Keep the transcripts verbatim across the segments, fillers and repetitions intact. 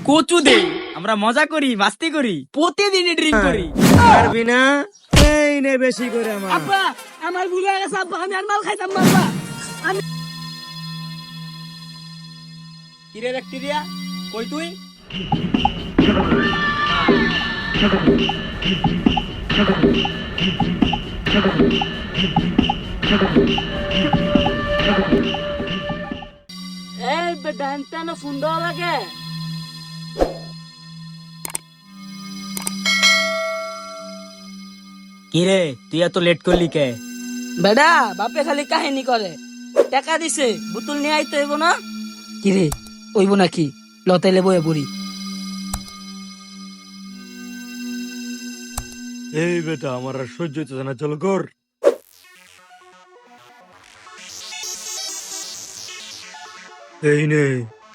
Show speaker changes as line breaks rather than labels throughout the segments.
কচু দে, আমরা মজা করি, মাস্তি করি, প্রতিদিনই ড্রিঙ্ক করি।
পারবি না? এই নে বেশি করে আমার।
আব্বা আমার ভুল হয়ে গেছে আব্বা, আমি আর মাল খাইতাম না আব্বা। আমি কিরে ব্যাকটেরিয়া, কই তুই? এই বেটা এনতেন ফোন দেওয়া লাগে। কিরে তুই এত লেট করলি কে?
বেডা বাপে খালি কাহিনী করে, টাকা দিছে বোতল নিয়ে আইতে হইব না। কিরে ওইব নাকি? লতাইলে বয়ে বুড়ি।
এই বেটা আমার আর সহ্য হচ্ছে না, চলো কর। এই নে।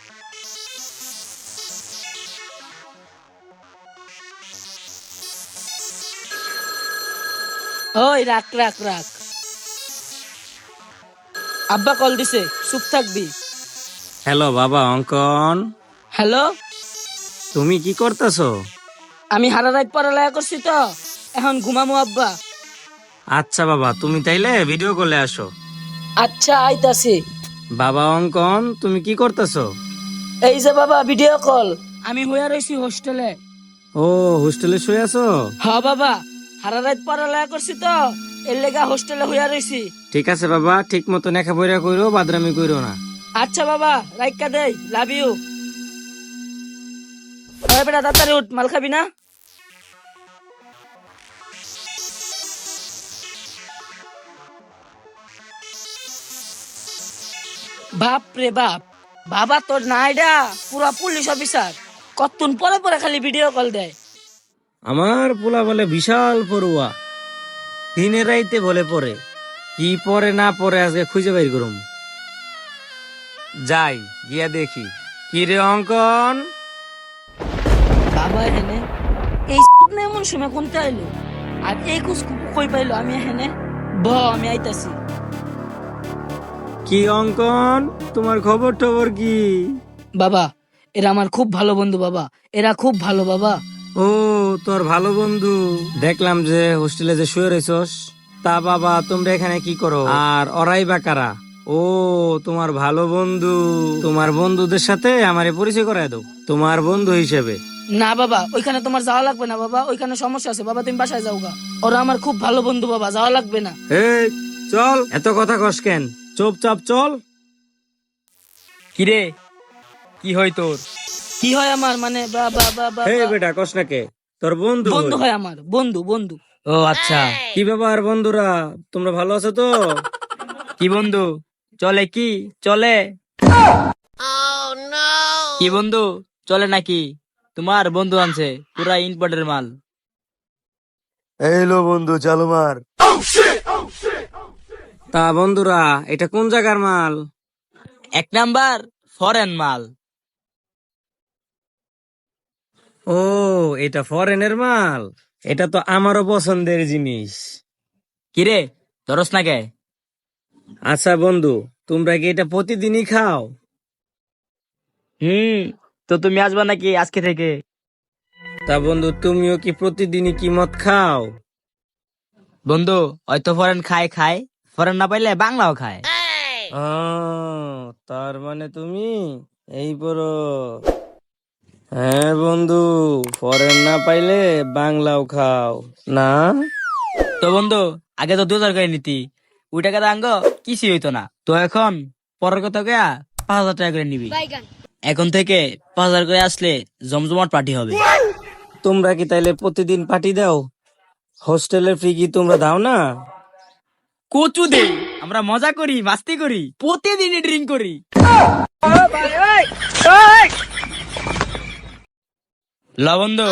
ওই রাখ রাখ রাখ। আব্বা কল দিছে, চুপ থাকবি।
হ্যালো বাবা অঙ্কন,
হ্যালো,
তুমি কি করতেছো?
আমি হারা রাত পড়ালেখা করছি তো, এখন ঘুমামু আব্বা।
আচ্ছা বাবা, তুমি তাইলে ভিডিও কলে আসো।
আচ্ছা আইতাছি।
বাবা অঙ্কন, তুমি কি করতেছো?
এই যে বাবা ভিডিও কল। আমি হইয়া রইছি হোস্টেলে।
ও হোস্টেলে শুয়ে আছো?
হ্যাঁ বাবা, হারা রাত পড়ালেখা করছি তো, এর লেগা হোস্টেলে হইয়া রইছি।
ঠিক আছে বাবা, ঠিক মতো নেখা বইরা কইরো, বাদরামি কইরো না।
আচ্ছা বাবা, রাইকা দেই, লাভ ইউ। ওই বেটা তাড়াতাড়ি উঠ, মাল খাবি না? বাপ রে বাপ, বাবা তোর নাইডা পুরা পুলিশ অফিসার, কতক্ষণ পরে পরে খালি ভিডিও কল দেয়।
আমার পোলা বলে বিশাল পড়ুয়া, দিনে রাইতে বলে পড়ে, কি পরে না পরে আজকে খুঁজে বাইর করুম। যাই গিয়া দেখি। কি রে অঙ্কন?
বাবা এখানে এই না এমন সময় কোনটা আইলো, আর এই কুচ কই পাইলো? আমি এখানে ব আমি আইতাছি।
কি অঙ্কন, তোমার খবর টবর কি?
বাবা এরা আমার খুব ভালো বন্ধু বাবা, এরা খুব ভালো বাবা।
ও তোর ভালো বন্ধু, দেখলাম যে হোস্টেলে যে শুয়ে রয়েছস। তা বাবা তোমরা এখানে কি করো, আর ওরাই বা কারা? ও তোমার ভালো বন্ধু, তোমার বন্ধুদের সাথে আমারে পরিচয় করায় দাও তোমার বন্ধু হিসেবে।
না বাবা, ওইখানে তোমার যাওয়া লাগবে না বাবা, ওইখানে সমস্যা আছে বাবা, তুমি বাসায় যাও গা। ওরা আমার খুব ভালো বন্ধু বাবা, যাওয়া লাগবে না।
এই চল, এত কথা কস কেন, চুপচাপ চল।
কিরে কি হয় তোর?
কি হয় আমার মানে বাবা বাবা
এই বেটা কস না কে, তোর বন্ধু
বন্ধু
হই।
হয় আমার, বন্ধু বন্ধু।
ও আচ্ছা,
কি ব্যাপার বন্ধুরা, তোমরা ভালো আছো তো?
কি বন্ধু চলে? কি চলে? কি বন্ধু চলে নাকি? তোমার বন্ধু আনছে পুরা ইম্পোর্টের মাল।
এই লো বন্ধু, চালু মার। তা বন্ধুরা এটা কোন জায়গার মাল?
এক নাম্বার ফরেন মাল।
ও এটা ফরেনের মাল, এটা তো আমারও পছন্দের জিনিস।
কিরে ধরস না কে?
আচ্ছা বন্ধু, তোমরা কি এটা প্রতিদিনই খাও?
হুম, তো তুমি আসবা নাকি আজকে থেকে?
তা বন্ধু তুমিও কি প্রতিদিনই কি মদ খাও?
বন্ধু হয়তো ফরেন খায় খায়, ফরেন না পাইলে বাংলাও খায়।
আহ, তার মানে তুমি এই বড়। হ্যাঁ বন্ধু, ফরেন না পাইলে বাংলাও খাও না?
তো বন্ধু আগে তো দু হাজার করে নিতি, ওই টাকা আঙ্গ কিছুই হইতো না। তো এখন পরের কথা গয়া পাঁচ হাজার টাকা করে নিবি। এখন থেকে পাঁচ হাজার করে আসলে জমজমাট পার্টি হবে।
তোমরা কি তাইলে প্রতিদিন পার্টি দাও? হোস্টেলের ফ্রি কি তোমরা দাও না?
কচু দে, আমরা মজা করি, মাস্তি করি, প্রতিদিনই ড্রিঙ্ক করি। ল বন্ধু।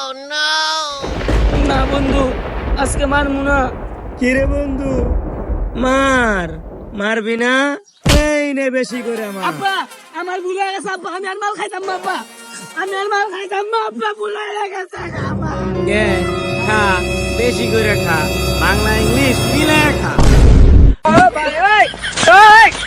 না বন্ধু, আজকে মারমু না।
কিরে বন্ধু, মার মারবি না? এই নে বেশি করে আমার।
আব্বা আমার ভুল হয়ে গেছে আব্বা, আমি আর মাল খাইতাম না আব্বা, আমি আর মাল খাইতাম না আব্বা, ভুল হয়ে গেছে আমার।
গে, খা বেশি করে খা, বাংলা ইংলিশ মিলে খা।